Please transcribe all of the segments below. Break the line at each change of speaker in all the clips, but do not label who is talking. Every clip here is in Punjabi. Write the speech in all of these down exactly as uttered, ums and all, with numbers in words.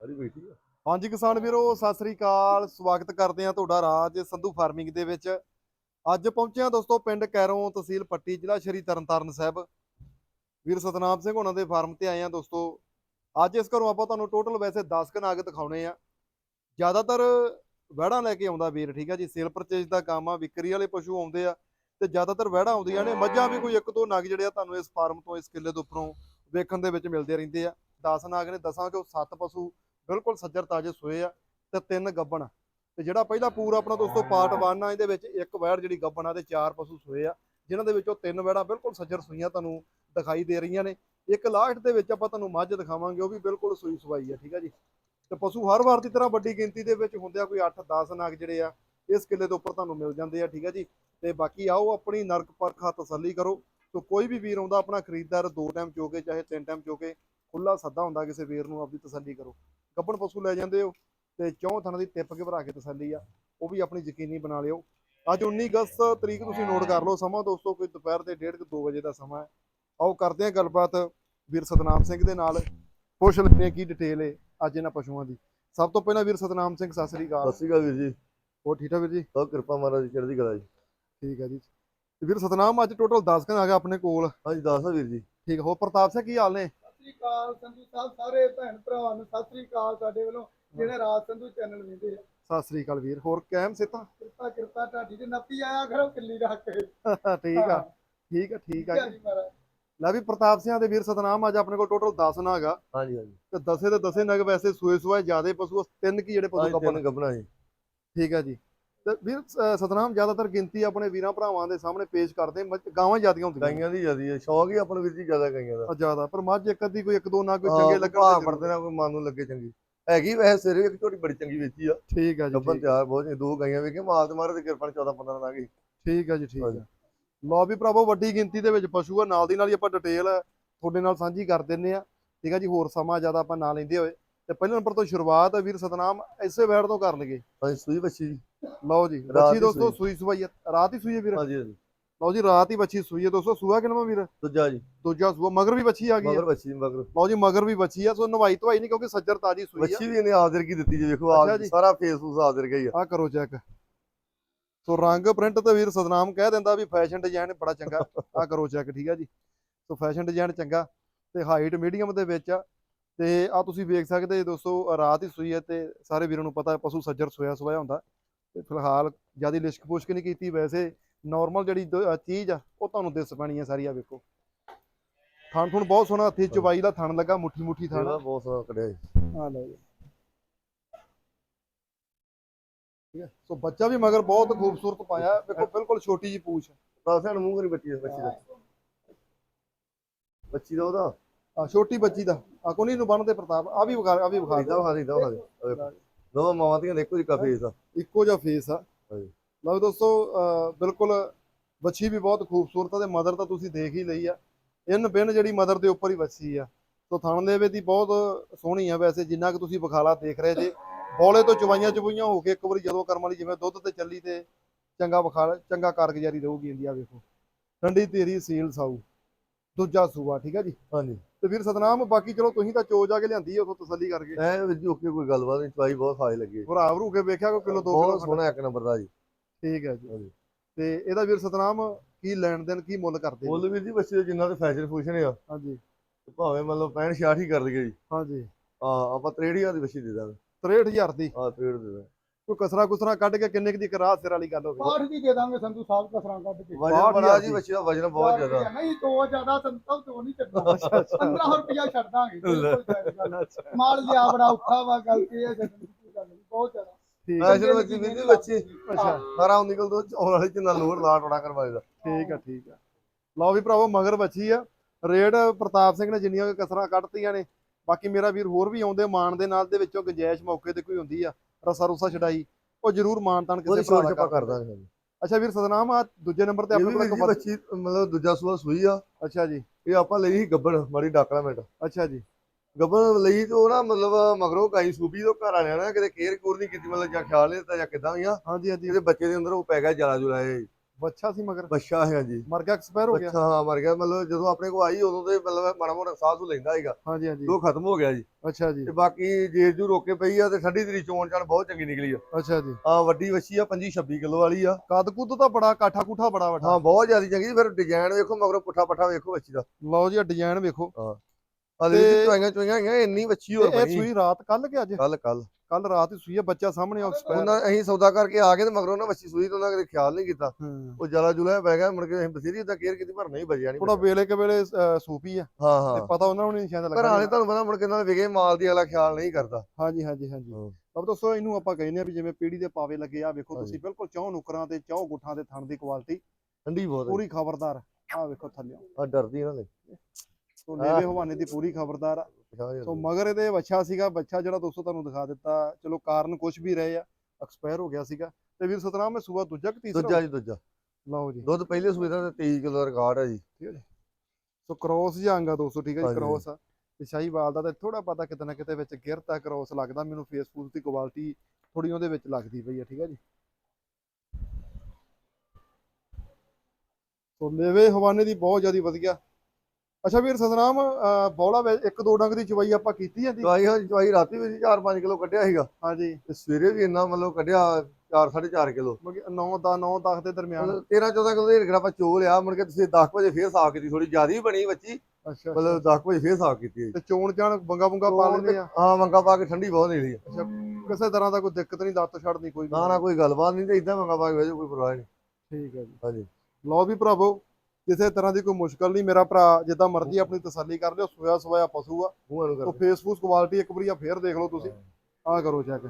ਸਾਰੀ ਬੈਠੀ ਆ।
ਹਾਂਜੀ ਕਿਸਾਨ ਵੀਰੋ, ਸਤਿ ਸ੍ਰੀ ਅਕਾਲ। ਸਵਾਗਤ ਕਰਦੇ ਆ ਤੁਹਾਡਾ ਰਾਜ ਸੰਧੂ ਫਾਰਮਿੰਗ ਦੇ ਵਿੱਚ। ਅੱਜ ਪਹੁੰਚੇ ਆ ਦੋਸਤੋ ਪਿੰਡ ਕੈਰੋਂ, ਤਹਿਸੀਲ ਪੱਟੀ, ਜ਼ਿਲ੍ਹਾ ਸ਼੍ਰੀ ਤਰਨਤਾਰਨ ਸਾਹਿਬ। ਵੀਰ ਸਤਨਾਮ ਸਿੰਘ ਉਹਨਾਂ ਦੇ ਫਾਰਮ ਤੇ ਆਏ ਆ ਦੋਸਤੋ। ਅੱਜ ਇਸ ਘਰੋਂ ਆਪਾਂ ਤੁਹਾਨੂੰ ਟੋਟਲ ਵੈਸੇ ਦਸ ਕੁ ਨਗ ਦਿਖਾਉਣੇ ਆ। ਜ਼ਿਆਦਾਤਰ ਵਹਿੜਾਂ ਲੈ ਕੇ ਆਉਂਦਾ ਵੀਰ, ਠੀਕ ਆ ਜੀ। ਸੇਲ ਪਰਚੇਜ ਦਾ ਕੰਮ ਆ, ਵਿਕਰੀ ਵਾਲੇ ਪਸ਼ੂ ਆਉਂਦੇ ਆ ਤੇ ਜ਼ਿਆਦਾਤਰ ਵਹਿੜਾਂ ਆਉਂਦੀਆਂ ਨੇ। ਮੱਝਾਂ ਵੀ ਕੋਈ ਇੱਕ ਦੋ ਨਗ ਜਿਹੜੇ ਆ ਤੁਹਾਨੂੰ ਇਸ ਫਾਰਮ ਤੋਂ, ਇਸ ਕਿੱਲੇ ਦੇ ਉੱਪਰੋਂ ਵੇਖਣ ਦੇ ਵਿੱਚ ਮਿਲਦੇ ਰਹਿੰਦੇ ਆ। ਦਸ ਨਗ ਨੇ, ਦਸਾਂ ਚੋਂ ਸੱਤ ਪਸ਼ੂ ਬਿਲਕੁਲ ਸੱਜਰ ਤਾਜੇ ਸੋਏ ਆ ਤੇ ਤਿੰਨ ਗੱਬਣ। ਤੇ ਜਿਹੜਾ ਪਹਿਲਾ ਪੂਰਾ ਆਪਣਾ ਦੋਸਤੋ ਪਾਰਟ ਇੱਕ ਆ, ਇਹਦੇ ਵਿੱਚ ਇੱਕ ਵਹਿੜ ਜਿਹੜੀ ਗੱਬਣ ਆ ਤੇ ਚਾਰ ਪਸ਼ੂ ਸੋਏ ਆ, ਜਿਨ੍ਹਾਂ ਦੇ ਵਿੱਚੋਂ ਤਿੰਨ ਵਹਿੜਾਂ ਬਿਲਕੁਲ ਸੱਜਰ ਸੂਈਆਂ ਤੁਹਾਨੂੰ ਦਿਖਾਈ ਦੇ ਰਹੀਆਂ ਨੇ। ਇੱਕ ਲਾਸਟ ਦੇ ਵਿੱਚ ਆਪਾਂ ਤੁਹਾਨੂੰ ਮੱਝ ਦਿਖਾਵਾਂਗੇ, ਉਹ ਵੀ ਬਿਲਕੁਲ ਸੂਈ ਸਵਾਈ ਆ, ਠੀਕ ਆ ਜੀ। ਤੇ ਪਸ਼ੂ ਹਰ ਵਾਰ ਦੀ ਤਰ੍ਹਾਂ ਵੱਡੀ ਗਿਣਤੀ ਦੇ ਵਿੱਚ ਹੁੰਦੇ ਆ, ਕੋਈ ਅੱਠ ਦਸ ਨਗ ਜਿਹੜੇ ਆ ਇਸ ਕਿੱਲੇ ਦੇ ਉੱਪਰ ਤੁਹਾਨੂੰ ਮਿਲ ਜਾਂਦੇ ਆ, ਠੀਕ ਆ ਜੀ। ਤੇ ਬਾਕੀ ਆਓ ਆਪਣੀ ਨਰਕ ਪਰਖਾ ਤਸੱਲੀ ਕਰੋ। ਸੋ ਕੋਈ ਵੀ ਵੀਰ ਆਉਂਦਾ ਆਪਣਾ ਖਰੀਦਦਾਰ, ਦੋ ਟਾਈਮ ਚੋਕੇ ਚਾਹੇ ਤਿੰਨ ਟਾਈਮ ਚੋਕੇ, ਖੁੱਲਾ ਸੱਦਾ ਹੁੰਦਾ ਕਿਸੇ ਵੀਰ ਨੂੰ ਆਪਦੀ ਤਸੱਲੀ ਕਰੋ। ਗੱਬਣ ਪਸ਼ੂ ਲੈ ਜਾਂਦੇ ਹੋ ਤੇ ਚੌਂ ਥਣ ਦੀ ਟਿੱਪ ਕੇ ਭਰਾ ਕੇ ਤਸੱਲੀ ਆ, ਉਹ ਵੀ ਆਪਣੀ ਯਕੀਨੀ ਬਣਾ ਲਿਓ। ਅੱਜ ਉੱਨੀ ਅਗਸਤ ਤਰੀਕ ਤੁਸੀਂ ਨੋਟ ਕਰ ਲਓ। ਸਮਾਂ ਦੋਸਤੋ ਕੋਈ ਦੁਪਹਿਰ ਦੇ ਡੇਢ ਕੁ ਦੋ ਵਜੇ ਦਾ ਸਮਾਂ ਹੈ। ਆਓ ਕਰਦੇ ਹਾਂ ਗੱਲਬਾਤ ਵੀਰ ਸਤਨਾਮ ਸਿੰਘ ਦੇ ਨਾਲ, ਪੁੱਛ ਲੈਂਦੇ ਹਾਂ ਕੀ ਡਿਟੇਲ ਹੈ ਅੱਜ ਇਹਨਾਂ ਪਸ਼ੂਆਂ ਦੀ। ਸਭ ਤੋਂ ਪਹਿਲਾਂ ਵੀਰ ਸਤਨਾਮ ਸਿੰਘ, ਸਤਿ ਸ੍ਰੀ ਅਕਾਲ।
ਸਤਿ ਸ਼੍ਰੀ ਅਕਾਲ ਵੀਰ ਜੀ।
ਹੋਰ ਠੀਕ ਠਾਕ ਵੀਰ ਜੀ?
ਸਭ ਕਿਰਪਾ ਮਹਾਰਾਜ ਦੀ, ਚੜ੍ਹਦੀ ਕਲਾ ਜੀ।
ਠੀਕ ਹੈ ਜੀ। ਤੇ ਵੀਰ ਸਤਨਾਮ ਅੱਜ ਟੋਟਲ ਦਸ ਕੁ ਆ ਗਿਆ ਆਪਣੇ ਕੋਲ।
ਹਾਂਜੀ ਦੱਸ ਆ ਵੀਰ ਜੀ।
ਠੀਕ। ਹੋਰ ਪ੍ਰਤਾਪ ਸਿੰਘ ਕੀ ਹਾਲ ਨੇ?
ਸਤਿ ਸ੍ਰੀ ਅਕਾਲ ਸੰਧੂ ਸਾਹਿਬ, ਸਾਰੇ ਭੈਣ ਭਰਾਵਾਂ ਨੂੰ ਸਤਿ ਸ੍ਰੀ ਅਕਾਲ ਸਾਡੇ ਵੱਲੋਂ, ਜਿਹੜੇ ਰਾਜ ਸੰਧੂ ਚੈਨਲ ਵੇਖਦੇ ਆ।
ਸਤਿ ਸ੍ਰੀ ਅਕਾਲ ਵੀਰ। ਹੋਰ ਕੈਮ ਸਿੱਧਾ?
ਕਿਰਪਾ ਕਿਰਪਾ ਢਾਡੀ ਤੇ ਨੱਪੀ ਆਇਆ ਕਰੋ ਕਿੱਲੀ ਰੱਖ ਕੇ।
ਠੀਕ ਆ, ਠੀਕ ਆ, ਠੀਕ ਆ।
ਜੀ ਮਹਾਰਾਜ।
ਲੈ ਵੀ ਪ੍ਰਤਾਪ ਸਿੰਘ ਦੇ ਵੀਰ ਸਤਨਾਮ, ਅੱਜ ਆਪਣੇ ਕੋਲ ਟੋਟਲ ਦਸ ਨਗ ਆ
ਹਾਂਜੀ ਹਾਂਜੀ
ਤੇ ਦਸੇ ਦੇ ਦਸੇ ਨਗ ਵੈਸੇ ਸੂਏ ਸੂਏ ਜਿਆਦੇ ਪਸ਼ੂ, ਤਿੰਨ ਕੀ ਜਿਹੜੇ ਪਸ਼ੂ
ਹਾਂਜੀ
ਗੱਬਣ।
ਤਿੰਨ ਗੱਭਣਾ ਜੀ।
ਠੀਕ ਆ ਜੀ। ਤੇ ਵੀਰ ਅਹ ਸਤਨਾਮ ਜ਼ਿਆਦਾਤਰ ਗਿਣਤੀ ਆਪਣੇ ਵੀਰਾਂ ਭਰਾਵਾਂ ਦੇ ਸਾਹਮਣੇ ਪੇਸ਼ ਕਰਦੇ, ਮੱਝ- ਗਾਵਾਂ ਜ਼ਿਆਦੀਆਂ ਹੁੰਦੀਆਂ
ਗਾਈਆਂ ਦੀ ਜਿਆਦੀ ਹੈ, ਸ਼ੌਕ ਹੀ ਆਪਣਾ ਵੀਰ ਜੀ ਜ਼ਿਆਦਾ ਗਾਈਆਂ ਦਾ।
ਆ ਜ਼ਿਆਦਾ, ਪਰ ਮੱਝ ਇੱਕ ਅੱਧੀ ਕੋਈ ਇੱਕ ਦੋ ਨਗ ਕੋਈ
ਹਾਂ,
ਚੰਗੇ
ਕੋਈ
ਲੱਗਣ
ਭਾਅ
ਤੇ
ਪੜਦੇ
ਜ਼ਰੂਰ।
ਨਾ, ਕੋਈ ਮਨ ਨੂੰ ਲੱਗੇ ਚੰਗੀ ਹੈਗੀ। ਵੈਸੇ ਸਿਰੇ ਇੱਕ ਝੋਟੀ ਬੜੀ ਚੰਗੀ ਵੇਚੀ ਆ,
ਠੀਕ ਆ ਜੀ,
ਗੱਭਣ
ਠੀਕ
ਤਿਆਰ ਬਹੁਤ ਨੇ, ਦੋ ਗਾਈਆਂ ਵੇਖੀਆਂ, ਮਾਲ ਤੇ ਮਾਰੇ ਤੇ ਕਿਰਪਾ ਚੌਦਾਂ ਪੰਦਰਾਂ ਨਾ ਗਈ।
ਠੀਕ ਆ ਜੀ, ਠੀਕ
ਹਾਂਜੀ।
ਆ। ਲਓ ਵੀ ਭਰਾਵੋ, ਵੱਡੀ ਗਿਣਤੀ ਦੇ ਵਿੱਚ ਪਸ਼ੂ ਆ, ਨਾਲ ਦੀ ਨਾਲ ਹੀ ਆਪਾਂ ਡਿਟੇਲ ਤੁਹਾਡੇ ਨਾਲ ਸਾਂਝੀ ਕਰ ਦਿੰਨੇ ਆ, ਠੀਕ ਆ ਜੀ। ਹੋਰ ਸਮਾਂ ਜ਼ਿਆਦਾ ਆਪਾਂ ਨਾ ਲੈਂਦੇ ਹੋਏ, ਤੇ ਪਹਿਲੇ ਨੰਬਰ ਤੋਂ ਸ਼ੁਰੂਆਤ ਵੀਰ ਸਤਨਾਮ ਇਸੇ ਵੈੜ ਤੋਂ ਕਰ ਲਈਏ।
ਹਾਂਜੀ ਸੂਈ ਬੱਚੀ ਜੀ।
ਲਓ ਜੀ,
ਰਾਤ
ਬੱਚੀ
ਹੀ
ਦੋਸਤੋ
ਸੂਈ।
ਸੂਈ ਸਵਾਈ ਆ, ਰਾਤ ਹੀ ਸੂਈ ਹੈ ਵੀਰ।
ਹਾਂਜੀ ਹਾਂਜੀ।
ਲਓ ਜੀ, ਰਾਤ ਹੀ ਬੱਚੀ ਸੂਈ ਹੈ ਦੋਸਤੋ। ਸੂਆ ਕਿੰਨਾ ਵੀਰ?
ਦੂਜਾ ਜੀ।
ਦੂਜਾ ਸੂਆ। ਮਗਰ ਵੀ ਬੱਚੀ ਆ ਗਈ ਹੈ।
ਮਗਰ ਬੱਚੀ ਮਗਰ।
ਲਓ ਜੀ, ਮਗਰ ਵੀ ਬੱਚੀ ਆ। ਸੋ ਨਵਾਈ ਧਵਾਈ ਨਹੀਂ, ਕਿਉਂਕਿ ਸੱਜਰ ਤਾਜੀ ਸੂਈ ਆ।
ਬੱਚੀ ਵੀ ਇਹਨੇ ਆਦਰ ਕੀ ਦਿੱਤੀ ਜੀ, ਵੇਖੋ
ਅੱਛਾ
ਆ
ਜੀ।
ਸਾਰਾ ਫੇਸ ਫੂਸ ਆਦਰ ਗਈ ਆ।
ਆ ਕਰੋ ਚੈੱਕ। ਸੋ ਰੰਗ ਪ੍ਰਿੰਟ ਤੇ ਵੀਰ ਸਤਨਾਮ ਕਹਿ ਦਿੰਦਾ ਵੀ ਫੈਸ਼ਨ ਡਿਜ਼ਾਈਨ ਬੜਾ ਚੰਗਾ। ਆ ਕਰੋ ਚੈੱਕ, ਠੀਕ ਆ ਜੀ। ਸੋ ਫੈਸ਼ਨ ਡਿਜ਼ਾਈਨ ਚੰਗਾ ਤੇ ਹਾਈਟ ਮੀਡੀਅਮ ਦੇ ਵਿੱਚ ਆ। ਤੇ ਆ ਤੁਸੀਂ ਵੇਖ ਸਕਦੇ ਦੋਸਤੋ, ਰਾਤ ਹੀ ਸੂਈ ਹੈ ਤੇ ਸਾਰੇ ਵੀਰਾਂ ਨੂੰ ਪਤਾ ਪਸ਼ੂ ਸੱਜਰ ਸੋਇਆ ਸੋਇਆ ਹੁੰਦਾ। ਤੇ ਫਿਲਹਾਲ ਜਿਆਦਾ ਲਿਸ਼ਕ ਪੁਸ਼ਕ ਨਹੀਂ ਕੀਤੀ, ਵੈਸੇ ਨਾਰਮਲ ਜਿਹੜੀ ਚੀਜ਼ ਆ ਉਹ ਤੁਹਾਨੂੰ ਦਿਸ ਪੈਣੀ ਹੈ ਸਾਰੀ। ਆ ਵੇਖੋ, ਥਣ ਥੁਣ ਬਹੁਤ ਸੋਹਣਾ, ਹੱਥੀ ਚਵਾਈ ਦਾ ਥਣ ਲੱਗਾ, ਮੁੱਠੀ ਮੁੱਠੀ ਥਣ।
ਸੇਵਾ ਬਹੁਤ ਸੋਹਣਾ ਕਰਿਆ ਜੀ।
ਆ ਲਓ ਜੀ, ਠੀਕ ਹੈ। ਸੋ ਬੱਚਾ ਵੀ ਮਗਰ ਬਹੁਤ ਖੂਬਸੂਰਤ ਪਾਇਆ, ਵੇਖੋ ਬਿਲਕੁਲ ਛੋਟੀ ਜੀ ਪੂਛ।
ਦੱਸ ਹਣ ਮੂੰਹ ਕਰੀ ਬੱਚੀ ਦਾ, ਬੱਚੀ ਦਾ ਬੱਚੀ ਦਾ ਉਹਦਾ
ਆ ਛੋਟੀ ਬੱਚੀ ਦਾ। ਆ ਕੋਨੀ ਨੂੰ ਬੰਨਦੇ ਪ੍ਰਤਾਪ। ਆ ਵੀ ਵਿਖਾ, ਆ ਵੀ ਵਿਖਾ
ਇਦਾਂ
ਦਿਓ।
ਵਿਖਾ ਦੇ, ਇਦਾਂ ਵਿਖਾ ਦੇ। ਦੋਵਾਂ ਮਾਵਾਂ ਦੀਆਂ ਦੇਖੋ ਜੀ ਕਾਫੀ ਆ।
ਇੱਕੋ ਜਿਹਾ ਫੇਸ ਆ।
ਹਾਂਜੀ।
ਲਓ ਦੋਸਤੋ, ਅਹ ਬਿਲਕੁਲ ਬੱਚੀ ਵੀ ਬਹੁਤ ਖੂਬਸੂਰਤ ਆ ਤੇ ਮਦਰ ਤਾਂ ਤੁਸੀਂ ਦੇਖ ਹੀ ਲਈ ਆ। ਇਨ ਬਿਨ ਜਿਹੜੀ ਮਦਰ ਦੇ ਉੱਪਰ ਹੀ ਬੱਚੀ ਆ। ਸੋ ਥਣ ਦੇ ਦੀ ਬਹੁਤ ਸੋਹਣੀ ਆ ਵੈਸੇ, ਜਿੰਨਾ ਕਿ ਤੁਸੀਂ ਵਿਖਾਲਾ ਦੇਖ ਰਹੇ ਜੇ। ਬੋਲੇ ਤੋਂ ਚਵਾਈਆਂ ਚਵਾਈਆਂ ਹੋ ਕੇ ਇੱਕ ਵਾਰੀ ਜਦੋਂ ਕਰਮ ਵਾਲੀ ਜਿਵੇਂ ਦੁੱਧ ਤੇ ਚੱਲੀ ਤੇ ਚੰਗਾ ਵਿਖਾ, ਚੰਗਾ ਕਾਰਗੁਜ਼ਾਰੀ ਰਹੂਗੀ ਇੰਡੀਆ। ਵੇਖੋ ਠੰਡੀ ਤੇਰੀ ਸੀਲ ਸਾਊ, ਦੂਜਾ ਸੂਆ, ਠੀਕ ਆ ਜੀ।
ਹਾਂਜੀ।
ਤੇ ਵੀਰ ਸਤਨਾਮ, ਬਾਕੀ ਚਲੋ ਤੁਸੀਂ ਤਾਂ ਚੋ ਜਾ ਕੇ ਲਿਆਂਦੀ ਉਥੋਂ ਤਸੱਲੀ ਕਰਕੇ।
ਐ ਵੀਰ ਜੀ ਓਕੇ, ਕੋਈ ਗੱਲਬਾਤ ਨਹੀਂ, ਚਵਾਈ ਬਹੁਤ ਖਾਸ ਲੱਗੀ।
ਭਰਾ ਭਰੂ ਕੇ ਵੇਖਿਆ ਕੋਈ ਕਿਲੋ ਦੋ ਕਿਲੋ?
ਬਹੁਤ ਸੋਹਣਾ ਇੱਕ ਨੰਬਰ ਦਾ ਜੀ।
ਠੀਕ ਹੈ ਜੀ।
ਹਾਂਜੀ।
ਤੇ ਇਹਦਾ ਵੀਰ ਸਤਨਾਮ ਕੀ ਲੈਣ ਦੇਣ, ਕੀ ਮੁੱਲ ਕਰਦੇ?
ਮੁੱਲ ਵੀਰ ਜੀ ਬੱਚੇ ਜਿੰਨਾ ਤੇ ਫੈਸ਼ਨ ਫੂਸ਼ਨ ਆ,
ਹਾਂਜੀ
ਭਾਵੇਂ ਮਤਲਬ ਪੈਂਹਠ ਛਿਆਹਠ ਹੀ ਕਰ ਲਈਏ ਜੀ।
ਹਾਂਜੀ।
ਹਾਂ, ਆਪਾਂ ਤਰੇਹਠ ਹਜ਼ਾਰ ਦੀ ਬੱਚੀ ਦੇ ਦਾਂਗੇ।
ਤਰੇਹਠ ਹਜ਼ਾਰ ਦੀ?
ਹਾਂ ਤਰੇਹਠ ਦੇ ਦਾਂਗੇ।
ਕੋਈ ਕਸਰਾ ਕੁਸਰਾ ਕੱਢ ਕੇ ਕਿੰਨੇ ਦੀ ਕਰਾ ਸਿਰ ਵਾਲੀ ਗੱਲ ਹੋਵੇ?
ਪਾਠ ਵੀ ਦੇ ਦਾਂਗੇ ਸੰਧੂ ਸਾਹਿਬ, ਕਸਰਾਂ ਕੱਢ ਕੇ।
ਵਜਨ ਬੜਾ ਜੀ ਬੱਚੀ ਦਾ, ਵਜਨ ਬਹੁਤ ਜ਼ਿਆਦਾ।
ਨਹੀਂ ਦੋ ਜ਼ਿਆਦਾ ਸੰਤਾਂ ਤੋਂ ਨਹੀਂ ਚੱਲਣਾ।
ਅੱਛਾ ਅੱਛਾ।
ਪੰਦਰਾਂ ਸੌ ਰੁਪਇਆ ਛੱਡ ਦਾਂਗੇ, ਬਿਲਕੁਲ ਜਾਇਜ਼ ਗੱਲ। ਮਾਲ ਲਿਆ ਬੜਾ ਔਖਾ ਵਾ, ਗੱਲ ਕੀ ਹੈ ਛੱਡਣ ਦੀ ਗੱਲ ਨਹੀਂ, ਬਹੁਤ ਜ਼ਿਆਦਾ।
ਠੀਕ ਹੈ।
ਫੈਸ਼ਨ ਬੱਚੀ ਵੀਰ ਜੀ ਬੱਚੀ।
ਅੱਛਾ।
ਸਾਰਾ ਨਿਕਲ ਦੋ ਆਉਣ ਵਾਲੀ ਚ ਨਾਲ ਲੋੜ ਲਾਟ ਬੜਾ ਕਰਵਾਏਦਾ।
ਠੀਕ ਆ, ਠੀਕ ਆ। ਲਓ ਵੀ ਭਰਾਵੋ, ਮਗਰ ਬੱਚੀ ਆ। ਰੇਟ ਪ੍ਰਤਾਪ ਸਿੰਘ ਨੇ ਜਿੰਨੀਆਂ ਕਸਰਾਂ ਕੱਢਤੀਆਂ ਨੇ, ਬਾਕੀ ਮੇਰਾ ਵੀਰ ਹੋਰ ਵੀ ਆਉਂਦੇ ਮਾਨ ਦੇ ਨਾਲ ਦੇ ਵਿੱਚੋਂ ਗੁੰਜਾਇਸ਼ ਮੌਕੇ ਤੇ ਕੋਈ ਹੁੰਦੀ ਆ, ਰਸਾ ਰੁਸਾ ਛਡਾਈ, ਉਹ ਜ਼ਰੂਰ ਮਾਨ ਤਾਨ ਕਿਸੇ ਭਰਾ ਦਾ
ਕਰ ਦਾਂਗੇ।
ਅੱਛਾ ਵੀਰ ਸਤਨਾਮ, ਆ ਦੂਜੇ ਨੰਬਰ ਤੇ ਆਪਣੇ ਕੋਲ
ਬੱਚੀ ਮਤਲਬ ਦੂਜਾ ਸੂਆ ਸੂਈ ਆ।
ਅੱਛਾ ਜੀ।
ਇਹ ਆਪਾਂ ਲਈ ਸੀ ਗੱਬੜ, ਮਾੜੀ ਡਾਕਲਾ ਮਿੰਟ।
ਅੱਛਾ ਜੀ।
ਗੱਬੜ ਲਈ ਤੇ ਉਹ ਨਾ ਮਤਲਬ ਮਗਰੋਂ ਗਾਈ ਸੂਬੀ ਤੋਂ ਘਰ ਵਾਲਿਆਂ ਨੇ ਕਿਤੇ ਕੇਅਰ ਕੂਰ ਨਹੀਂ ਕੀਤੀ, ਮਤਲਬ ਜਾਂ ਖਿਆਲ ਨਹੀਂ ਦਿੱਤਾ ਜਾਂ ਕਿਦਾਂ ਵੀ ਆ।
ਹਾਂਜੀ ਹਾਂਜੀ।
ਇਹਦੇ ਬੱਚੇ ਦੇ ਅੰਦਰ ਉਹ ਪੈ ਗਿਆ ਜਲਾ ਜੁਲਾ ਇਹ,
ਬੱਚਾ ਸੀ ਮਗਰ
ਬੱਚਾ ਹੈ ਜੀ।
ਮਰ ਗਿਆ ਐਕਸਪਾਇਰ ਹੋ ਗਿਆ?
ਬੱਚਾ ਹਾਂ ਮਰ ਗਿਆ, ਮਤਲਬ ਜਦੋਂ ਆਪਣੇ ਕੋਲ ਆਈ ਉਦੋਂ ਤੇ ਮਤਲਬ ਮਾੜਾ ਮੋਟਾ ਸਾਹ ਸੂ ਲੈਂਦਾ ਸੀਗਾ,
ਹਾਂਜੀ ਹਾਂਜੀ।
ਉਹ ਖਤਮ ਹੋ ਗਿਆ ਜੀ।
ਅੱਛਾ ਜੀ।
ਤੇ ਬਾਕੀ ਜੇਰ ਜੂ ਰੋਕੇ ਪਈ ਆ ਤੇ ਠੰਡੀ ਤੇਰੀ ਚੋਣ ਚਾਣ ਬਹੁਤ ਚੰਗੀ ਨਿਕਲੀ ਆ।
ਅੱਛਾ ਜੀ।
ਹਾਂ ਵੱਡੀ ਵੱਛੀ ਆ, ਪੰਜੀ ਛੱਬੀ ਕਿਲੋ ਵਾਲੀ ਆ।
ਕੱਦ ਕੁੱਦ ਤਾਂ ਬੜਾ ਕਾਠਾ ਕੂਠਾ ਬੜਾ ਵੱਡਾ।
ਹਾਂ ਬਹੁਤ ਜ਼ਿਆਦਾ ਚੰਗੀ। ਫਿਰ ਡਿਜ਼ਾਈਨ ਵੇਖੋ ਮਗਰੋਂ ਪੁੱਠਾ ਪੱਠਾ ਵੇਖੋ ਵੱਛੀ ਦਾ।
ਲਓ ਜੀ ਡਿਜ਼ਾਈਨ ਵੇਖੋ।
ਹਾਂ ਹਲੇ ਵੀ ਚੁਆਈਆਂ ਚੁਆਈਆਂ ਹੈਗੀਆਂ, ਇੰਨੀ ਵੱਛੀ ਹੋਰ
ਇਹ
ਬਣੀ।
ਸੂਈ ਰਾਤ ਕੱਲ ਕਿ ਅੱਜ?
ਕੱਲ ਕੱਲ
ਕੱਲ ਰਾਤ ਹੀ ਸੂਈ ਆ, ਬੱਚਾ ਸਾਹਮਣੇ ਐਕਸਪਾਇਰ।
ਉਹਨਾਂ ਅਸੀਂ ਸੌਦਾ ਕਰਕੇ ਆ ਗਏ ਤੇ ਮਗਰੋਂ ਨਾ ਵੱਛੀ ਸੂਈ ਤੇ ਉਹਨਾਂ ਕਦੇ ਖਿਆਲ ਨਹੀਂ ਕੀਤਾ।
ਹਾਂ
ਉਹ ਜਲਾ ਜੁਲਾ ਪੈ ਗਿਆ, ਮੁੜ ਕੇ ਅਸੀਂ ਬਥੇਰੀ ਏਦਾਂ ਕੇਅਰ ਕੀਤੀ ਪਰ ਨਹੀਂ ਬਜਿਆ ਨਹੀਂ।
ਥੋੜਾ ਵੇਲੇ ਕੇ ਵੇਲੇ ਸੂਪੀ ਆ
ਹਾਂ
ਤੇ
ਹਾਂ
ਪਤਾ ਉਹਨਾਂ ਨੂੰ ਨਹੀਂ ਸ਼ਾਇਦ
ਪਰ
ਲੱਗਾ।
ਹਾਲੇ ਤੁਹਾਨੂੰ ਪਤਾ ਮੁੜ ਕੇ ਨਾਲ ਵਿਗੇ ਮਾਲ ਦੀ ਅਗਲਾ ਖਿਆਲ ਨਹੀਂ ਕਰਦਾ।
ਹਾਂਜੀ ਹਾਂਜੀ ਹਾਂਜੀ। ਸਭ ਦੋਸਤੋ ਇਹਨੂੰ ਆਪਾਂ ਕਹਿੰਦੇ ਆ ਵੀ ਜਿਵੇਂ ਪੀੜੀ ਦੇ ਪਾਵੇ ਲੱਗੇ ਆ, ਵੇਖੋ ਤੁਸੀਂ ਬਿਲਕੁਲ ਚੌਂ ਨੁਕਰਾਂ ਤੇ ਚੌਂ ਗੁੱਠਾਂ ਦੇ ਥਣ ਦੀ ਕੁਆਲਿਟੀ
ਠੰਡੀ ਬਹੁਤ
ਪੂਰੀ ਖਬਰਦਾਰ ਆ। ਵੇਖੋ ਥੱਲੇ
ਆ ਡਰਦੀ ਇਹਨਾਂ ਦੇ
ਸੋ ਲੇਵੇ ਹਵਾਨੇ ਦੀ ਪੂਰੀ ਖਬਰਦਾਰ ਆ। ਸੋ ਮਗਰ ਇਹਦੇ ਬੱਚਾ ਸੀਗਾ, ਬੱਚਾ ਜਿਹੜਾ ਦੋਸਤੋ ਤੁਹਾਨੂੰ ਦਿਖਾ ਦਿੱਤਾ। ਚਲੋ ਕਾਰਨ ਕੁਝ ਵੀ ਰਹੇ ਆ, ਐਕਸਪਾਇਰ ਹੋ ਗਿਆ ਸੀਗਾ। ਤੇ ਵੀਰ ਸਤਨਾਮ ਮੈਂ ਸੂਆ ਦੂਜਾ ਕਿ ਤੀਸਰਾ?
ਦੂਜਾ ਜੀ ਦੂਜਾ।
ਲਓ ਜੀ
ਦੁੱਧ ਪਹਿਲੇ ਸੂਏ ਦਾ ਤੇਈ ਕਿਲੋ ਦਾ ਰਿਕਾਰਡ ਹੈ ਜੀ।
ਠੀਕ ਹੈ ਜੀ। ਸੋ ਕ੍ਰੋਸ ਜੰਗ ਆ ਦੋਸਤੋ, ਠੀਕ ਹੈ ਜੀ
ਹਾਂਜੀ।
ਕ੍ਰੋਸ ਆ ਤੇ ਸ਼ਾਹੀਵਾਲ ਦਾ ਤੇ ਥੋੜਾ ਪਤਾ ਕਿਤੇ ਨਾ ਕਿਤੇ ਵਿੱਚ ਗਿਰਤ ਆ, ਕ੍ਰੋਸ ਲੱਗਦਾ ਮੈਨੂੰ। ਫੇਸਬੁੱਕ ਦੀ ਕੁਆਲਿਟੀ ਥੋੜੀ ਉਹਦੇ ਵਿੱਚ ਲੱਗਦੀ ਪਈ ਆ। ਠੀਕ ਹੈ ਜੀ। ਸੋ ਲੇਵੇ ਹਵਾਨੇ ਦੀ ਬਹੁਤ ਜ਼ਿਆਦਾ ਵਧੀਆ। ਅੱਛਾ ਵੀਰ ਸਤਨਾਮ ਬੌਲਾ ਵਿੱਚ ਇੱਕ ਦੋ ਡੰਗ ਦੀ ਚਵਾਈ ਆਪਾਂ ਕੀਤੀ ਜਾਂਦੀ?
ਚਵਾਈ ਹਾਂ ਚਵਾਈ ਰਾਤੀ ਵੀ ਚਾਰ ਪੰਜ ਕਿਲੋ ਕੱਢਿਆ ਸੀਗਾ
ਹਾਂਜੀ
ਤੇ ਸਵੇਰੇ ਵੀ ਇੰਨਾ ਮਤਲਬ ਕੱਢਿਆ ਚਾਰ ਸਾਢੇ ਚਾਰ ਕਿਲੋ।
ਨੌ ਦਾ ਨੌ ਦਸ ਦੇ ਦਰਮਿਆਨ
ਤੇਰਾਂ ਚੌਦਾਂ ਕਿਲੋ ਦੇ ਰਗੜਾ ਆਪਾਂ ਚੋ ਲਿਆ। ਮੁੜ ਕੇ ਤੁਸੀਂ ਦਸ ਵਜੇ ਫੇਰ ਸਾਫ਼ ਕੀਤੀ, ਥੋੜੀ ਜ਼ਿਆਦਾ ਵੀ ਬਣੀ ਬੱਚੀ।
ਅੱਛਾ
ਮਤਲਬ ਦਸ ਵਜੇ ਫੇਰ ਸਾਫ਼ ਕੀਤੀ
ਤੇ ਚੋਣ ਚਾਣ ਬੰਗਾ ਬੁੰਗਾ ਪਾ ਲੈਂਦੇ ਆ?
ਹਾਂ ਮੰਗਾ ਪਾ ਕੇ ਠੰਡੀ ਬਹੁਤ ਨਿਕਲੀ।
ਅੱਛਾ ਕਿਸੇ ਤਰ੍ਹਾਂ ਦਾ ਕੋਈ ਦਿੱਕਤ ਨਹੀਂ, ਲੱਤ ਛੱਡਦੀ ਕੋਈ?
ਨਾ ਨਾ ਕੋਈ ਗੱਲਬਾਤ ਨਹੀਂ ਤੇ ਇਦਾਂ ਮੰਗਾ ਪਾ ਕੇ ਕੋਈ ਪਰਵਾਹ ਨਹੀਂ।
ਠੀਕ ਹੈ ਜੀ।
ਹਾਂਜੀ
ਲਓ ਵੀ ਭਰਾਵੋ ਕਿਸੇ ਤਰ੍ਹਾਂ ਦੀ ਕੋਈ ਮੁਸ਼ਕਲ ਨਹੀਂ। ਮੇਰਾ ਭਰਾ ਜਿੱਦਾਂ ਮਰਜ਼ੀ ਆਪਣੀ ਤਸੱਲੀ ਕਰ ਲਿਓ। ਸੋਇਆ ਸੋਇਆ ਪਸ਼ੂ ਆ। ਤੋ ਫੇਸਬੁੱਕ ਕੁਆਲਿਟੀ ਇੱਕ ਵਾਰੀ ਫੇਰ ਦੇਖ ਲਓ ਤੁਸੀਂ। ਆਹ ਕਰੋ ਚੈੱਕ।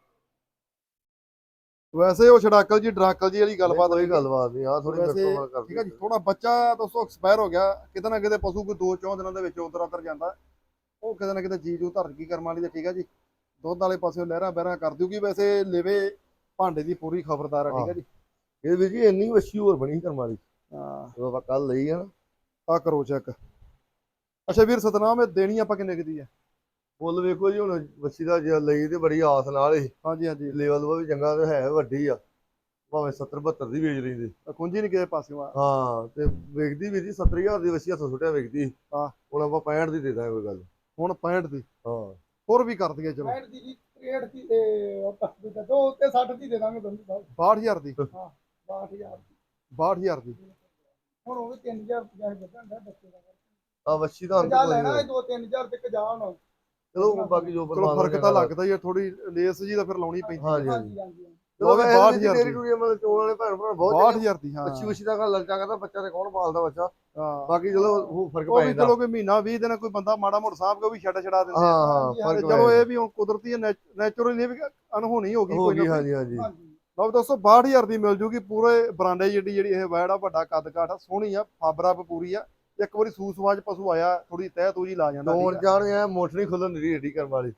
ਵੈਸੇ ਉਹ ਛੜਾਕਲ ਜੀ ਡਰਾਕਲ ਜੀ ਵਾਲੀ ਗੱਲਬਾਤ
ਕੋਈ ਗੱਲਬਾਤ ਨਹੀਂ ਆ ਥੋੜੀ
ਵੈਸੇ ਠੀਕ ਹੈ ਜੀ। ਥੋੜਾ ਬੱਚਾ ਦੋਸਤੋ ਐਕਸਪਾਇਰ ਹੋ ਗਿਆ, ਕਿਤੇ ਨਾ ਕਿਤੇ ਪਸ਼ੂ ਕੋਈ ਦੋ ਚੌਂ ਦਿਨਾਂ ਦੇ ਵਿੱਚ ਉਧਰ ਉਧਰ ਜਾਂਦਾ, ਉਹ ਕਿਤੇ ਨਾ ਕਿਤੇ ਜੀ ਜੂ ਧਰ ਕੀ ਕਰਮ ਵਾਲੀ ਤੇ। ਠੀਕ ਹੈ ਜੀ। ਦੁੱਧ ਵਾਲੇ ਪਾਸੇ ਲਹਿਰਾਂ ਬਹਿਰਾਂ ਕਰ ਦਿਊਗੀ। ਵੈਸੇ ਲੇਵੇ ਭਾਂਡੇ ਦੀ ਪੂਰੀ ਖਬਰਦਾਰ ਆ। ਠੀਕ ਹੈ ਜੀ।
ਇਹ ਵੀ ਜੀ ਇੰਨੀ ਵੱਛੀ ਹੋਰ ਬਣੀ ਕਰਮ ਵਾਲੀ।
ਹਾਂ
ਉਹ ਆਪਾਂ ਕੱਲ ਲਈ ਆ ਨਾ।
ਆ ਕਰੋ ਚੈੱਕ। ਅੱਛਾ ਵੀਰ ਸਤਨਾਮ ਇਹ ਦੇਣੀ ਆਪਾਂ ਕਿੰਨੇ ਕੁ ਦੀ ਆ?
ਫੁੱਲ ਵੇਖੋ ਜੀ, ਹੁਣ ਵੱਛੀ ਦਾ ਜੇ ਲਈ ਤੇ ਬੜੀ ਆਸ ਨਾਲ ਹੀ।
ਹਾਂਜੀ ਹਾਂਜੀ।
ਲੈਵਲ ਵੀ ਚੰਗਾ ਤੇ ਹੈ ਵੱਡੀ ਆ, ਭਾਵੇਂ ਸੱਤਰ ਬਹੱਤਰ ਦੀ ਵੇਚ ਲੈਂਦੇ।
ਕੁੰਜੀ ਨਹੀਂ ਕਿਸੇ ਪਾਸਿਓਂ ਆ।
ਹਾਂ ਤੇ ਵੇਚਦੀ ਵੀ ਜੀ ਸੱਤਰ ਹਜ਼ਾਰ ਦੀ ਵੱਛੀ ਹੱਥੋਂ ਸੁੱਟਿਆ ਵੇਚਦੀ।
ਹਾਂ
ਹੁਣ ਆਪਾਂ ਪੈਂਹਠ ਦੀ ਦੇ ਦਾਂਗੇ ਕੋਈ ਗੱਲ।
ਹੁਣ ਪੈਂਹਠ ਦੀ?
ਹਾਂ
ਹੋਰ ਵੀ ਕਰ ਦਈਏ ਚਲੋ।
ਪੈਂਹਠ ਦੀ ਜੀ, ਤਰੇਹਠ ਦੀ ਤੇ ਦੋ ਉੱਤੇ ਸੱਠ ਦੀ ਦੇ ਦਾਂਗੇ ਦੋਨੋਂ ਸਾਹਿਬ।
ਬਾਹਠ ਹਜ਼ਾਰ ਦੀ?
ਹਾਂ ਬਾਹਠ ਹਜ਼ਾਰ ਦੀ।
ਬਾਹਠ ਹਜ਼ਾਰ ਦੀ
ਹੁਣ ਉਹ ਵੀ ਤਿੰਨ ਹਜ਼ਾਰ ਰੁਪਇਆ ਵੱਧਣ ਦਾ ਬੱਚੇ ਦਾ।
ਆ ਵੱਛੀ ਦਾ
ਜਾ ਲੈਣਾ ਦੋ ਤਿੰਨ ਹਜ਼ਾਰ ਤੇ ਕਜਾ ਹੁਣ।
ਚਲੋ ਬਾਕੀ ਜੋ
ਚਲੋ ਫਰਕ ਤਾਂ ਲੱਗਦਾ ਹੀ ਆ, ਥੋੜੀ ਲੇਸ ਜੀ ਤਾਂ ਫਿਰ ਲਾਉਣੀ ਪੈਂਦੀ।
ਹਾਂਜੀ
ਹਾਂਜੀ ਹਾਂਜੀ।
ਚਲੋ
ਬਾਹਠ ਹਜ਼ਾਰ ਦੀ
ਮਤਲਬ ਚੋਣ ਵਾਲੇ ਭੈਣ ਭਰਾ ਬਹੁਤ
ਬਾਹਠ ਹਜ਼ਾਰ ਦੀ। ਹਾਂ
ਵੱਛੀ ਵੱਛੀ ਦਾ ਗੱਲ ਲਲਚਾ ਕਰਦਾ, ਬੱਚਾ ਤੇ ਕੌਣ ਪਾਲਦਾ ਬੱਚਾ।
ਹਾਂ
ਬਾਕੀ ਚਲੋ ਉਹ ਫਰਕ
ਉਹ
ਪੈ
ਵੀ
ਜਾਂਦਾ।
ਚਲੋ ਕੋਈ ਮਹੀਨਾ ਵੀਹ ਦਿਨ ਕੋਈ ਬੰਦਾ ਮਾੜਾ ਮੋਟਾ ਸਾਹਬ ਕੇ ਉਹ ਵੀ ਛੱਡ ਛੜਾ ਦਿੰਦੇ
ਹਾਂ
ਆ।
ਹਾਂ ਫਰਕ
ਤੇ
ਪੈ
ਚਲੋ
ਜਾਂਦਾ।
ਇਹ ਵੀ ਹੁਣ ਕੁਦਰਤੀ ਨੈਚੁਰਲੀ ਵੀ ਅਨਹੋਣੀ ਹੋ ਗਈ
ਹੋ
ਕੋਈ ਨਾ
ਗਈ
ਕੋਈ।
ਹਾਂਜੀ ਹਾਂਜੀ।
ਲਓ ਦੋਸਤੋ ਬਾਹਠ ਹਜ਼ਾਰ ਦੀ ਮਿਲ ਜੂਗੀ। ਪੂਰੇ ਬਰਾਂਡੇ ਜਿਹੜੀ ਜਿਹੜੀ ਇਹ ਵੈੜ ਆ, ਵੱਡਾ ਕੱਦ ਕਾਠ ਆ, ਸੋਹਣੀ ਆ, ਫਾਬਰਾ ਪੂਰੀ ਆ। ਇੱਕ ਵਾਰੀ ਸੂਸ ਸਵਾਜ ਪਸ਼ੂ ਆਇਆ ਥੋੜੀ ਤਹਿ ਤੂਜੀ ਲਾ ਜਾਂਦਾ।
ਚੋਣ ਜਾਣ ਐ ਮੋਠ ਨਹੀਂ ਖੁੱਲਣ ਦੀ ਏਡੀ ਕਰਮ ਵਾਲੀ।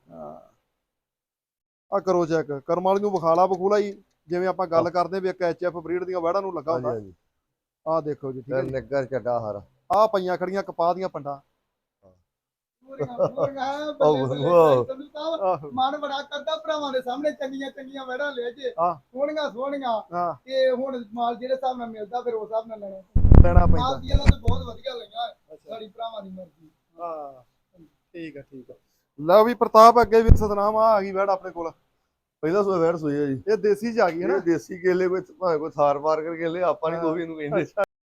ਆ ਕਰੋ ਚੈੱਕ ਕਰਮ ਵਾਲੀ ਨੂੰ ਵਿਖਾਲਾ ਬਖੂਲਾ ਹੀ ਜਿਵੇਂ ਆਪਾਂ ਗੱਲ ਕਰਦੇ ਵੀ ਇੱਕ ਐਚ ਐਫ ਬਰੀਡ ਦੀਆਂ ਵੈੜਾਂ ਨੂੰ ਲੱਗਾ ਹੁੰਦਾ।
ਹਾਂਜੀ
ਆਹ ਦੇਖੋ ਜੀ। ਠੀਕ ਹੈ ਜੀ।
ਨਿੱਗਰ ਚੱਡਾ ਹਾਰਾ
ਆਹ ਪਈਆਂ ਖੜੀਆਂ ਕਪਾਹ ਦੀਆਂ ਪੰਡਾਂ।
ਮਨ ਬੜਾ ਕਰਦਾ ਭਰਾਵਾਂ ਦੇ ਸਾਹਮਣੇ ਚੰਗੀਆਂ ਚੰਗੀਆਂ ਵੈੜਾਂ ਲੈ ਜੇ ਸੋਹਣੀਆਂ ਸੋਹਣੀਆਂ ਤੇ ਹੁਣ ਮਾਲ ਜਿਹੜੇ ਹਿਸਾਬ ਨਾਲ ਮਿਲਦਾ ਫਿਰ ਉਸ ਹਿਸਾਬ ਨਾਲ ਲੈਣਾ
ਲੈਣਾ ਪੈਂਦਾ।
ਮਾਲ ਦੀਆਂ ਤਾਂ ਬਹੁਤ ਵਧੀਆ ਲਈਆਂ ਸਾਡੀ ਭਰਾਵਾਂ ਦੀ ਮਰਜ਼ੀ।
ਹਾਂ ਠੀਕ ਆ ਠੀਕ ਆ। ਲਓ ਵੀ ਪ੍ਰਤਾਪ ਅੱਗੇ ਵੀ ਸਤਨਾਮ ਆ ਗਈ ਵੈੜ ਆਪਣੇ ਕੋਲ।
ਪਹਿਲਾ ਸੂਆ ਵੈੜ ਸੂਈ ਆ ਜੀ।
ਇਹ ਦੇਸੀ ਚ ਆ ਗਈ ਹੈ ਨਾ?
ਦੇਸੀ ਕੇਲੇ ਕੋਈ ਭਾਵੇਂ ਕੋਈ ਥਾਰ ਮਾਰ ਕੇ ਕੇਲੇ ਆਪਾਂ ਨਹੀਂ ਕੋਈ ਇਹਨੂੰ ਕਹਿੰਦੇ।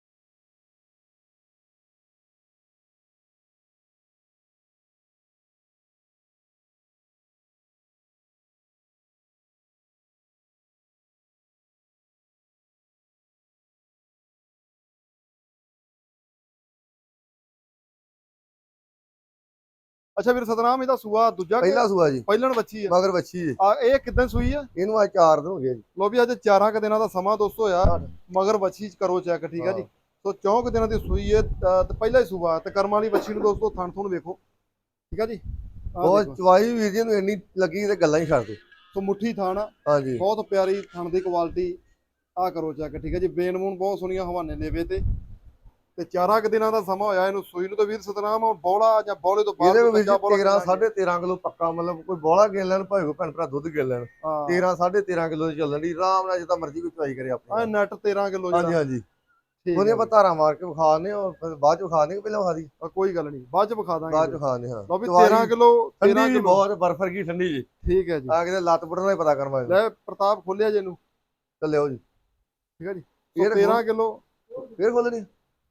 ਅੱਛਾ ਵੀਰ ਸਤਨਾਮ ਇਹਦਾ ਸੂਆ ਦੂਜਾ
ਪਹਿਲਾ ਸੂਆ ਜੀ।
ਪਹਿਲਣ ਬੱਚੀ ਆ
ਮਗਰ ਬੱਚੀ ਜੀ।
ਆ ਇਹ ਕਿਦਾਂ ਸੂਈ ਆ?
ਇਹਨੂੰ ਅੱਜ ਚਾਰ ਦਿਨ ਹੋ ਗਏ ਜੀ।
ਲੋ ਵੀ ਅੱਜ ਚਾਰਾਂ ਕ ਦਿਨਾਂ ਦਾ ਸਮਾਂ ਦੋਸਤੋ ਹੋਇਆ। ਮਗਰ ਬੱਚੀ ਚ ਕਰੋ ਚੈੱਕ। ਠੀਕ ਆ ਜੀ। ਸੋ ਚੌਂਕ ਦਿਨਾਂ ਦੀ ਸੂਈ ਹੈ ਤੇ ਪਹਿਲਾ ਹੀ ਸੂਆ ਤੇ ਕਰਮ ਵਾਲੀ ਬੱਚੀ ਨੂੰ ਦੋਸਤੋ ਥਣ ਥੁਣ ਵੇਖੋ। ਠੀਕ ਆ ਜੀ।
ਬਹੁਤ ਚਵਾਈ ਵੀਰ ਜੀ ਨੂੰ ਇੰਨੀ ਲੱਗੀ ਤੇ ਗੱਲਾਂ ਹੀ ਛੱਡ ਦੇ।
ਸੋ ਮੁੱਠੀ ਥਣ
ਹਾਂਜੀ
ਬਹੁਤ ਪਿਆਰੀ ਥਣ ਦੀ ਕੁਆਲਿਟੀ। ਆ ਕਰੋ ਚੈੱਕ। ਠੀਕ ਹੈ ਜੀ। ਬੇਨ ਬੂਨ ਬਹੁਤ ਸੋਹਣੀਆਂ ਹਵਾਨੇ ਲੇਵੇ ਤੇ ਤੇ ਚਾਰਾਂ ਕੁ ਦਿਨਾਂ ਦਾ ਸਮਾਂ ਹੋਇਆ ਇਹਨੂੰ ਸੂਈ ਨੂੰ। ਤਾਂ ਵੀਰ ਸਤਨਾਮ ਹੁਣ ਬੌਲਾ ਜਾਂ ਬੌਲੇ ਤੋਂ ਬਾਅਦ
ਇਹਦੇ ਵਿੱਚ
ਬੱਚਾ ਬੌਲਾ
ਤੇਰਾਂ ਸਾਢੇ ਤੇਰਾਂ ਕਿਲੋ ਪੱਕਾ, ਮਤਲਬ ਕੋਈ ਬੋਲਾ ਗਿਣ ਲੈਣ ਭਾਵੇਂ ਕੋਈ ਭੈਣ ਭਰਾ ਦੁੱਧ ਗਿਣ ਲੈਣ,
ਹਾਂ
ਤੇਰਾਂ ਸਾਢੇ ਤੇਰਾਂ ਕਿਲੋ ਦੀ ਚੱਲਣ ਦੀ ਆਰਾਮ ਨਾਲ, ਜਿੱਦਾਂ ਮਰਜ਼ੀ ਕੋਈ ਚਵਾਈ ਕਰੇ
ਆ
ਆਪਣੀ।
ਨੈਟ ਤੇਰਾਂ ਕਿਲੋ
ਹਾਂਜੀ
ਜਿਹੜਾ।
ਹਾਂਜੀ,
ਠੀਕ
ਉਹਨੇ
ਹੈ
ਆਪਾਂ ਧਾਰਾਂ ਮਾਰ ਕੇ ਵਿਖਾ ਦਿੰਦੇ ਹਾਂ, ਫਿਰ ਬਾਅਦ ਚ ਵਿਖਾ ਦਿੰਦੇ, ਪਹਿਲਾਂ ਵਿਖਾ ਦੀ
ਆ, ਕੋਈ ਗੱਲ ਨਹੀਂ ਬਾਅਦ ਚ ਵਿਖਾ ਦਾਂਗੇ।
ਬਾਅਦ ਚ ਵਿਖਾ ਦਿੰਦੇ ਹਾਂ।
ਲਓ ਵੀ
ਚਵਾਈ
ਤੇਰਾਂ ਕਿਲੋ ਤੇਰਾਂ
ਠੰਡੀ ਵੀ
ਕਿਲੋ
ਬਹੁਤ, ਬਰਫ ਵਰਗੀ ਠੰਡੀ ਜੀ।
ਠੀਕ ਹੈ ਜੀ।
ਆ ਕਿਤੇ ਲੱਤ ਪੁੱਟਣ ਦਾ ਹੀ ਪਤਾ ਕਰਵਾ
ਲੈ ਪ੍ਰਤਾਪ ਖੋਲਿਆ ਜੇ ਇਹਨੂੰ,
ਚੱਲਿਓ ਜੀ।
ਠੀਕ ਹੈ ਜੀ।
ਇਹ
ਸੋ ਤੇਰਾਂ ਕਿਲੋ
ਫੇਰ ਖੋਲਣੀ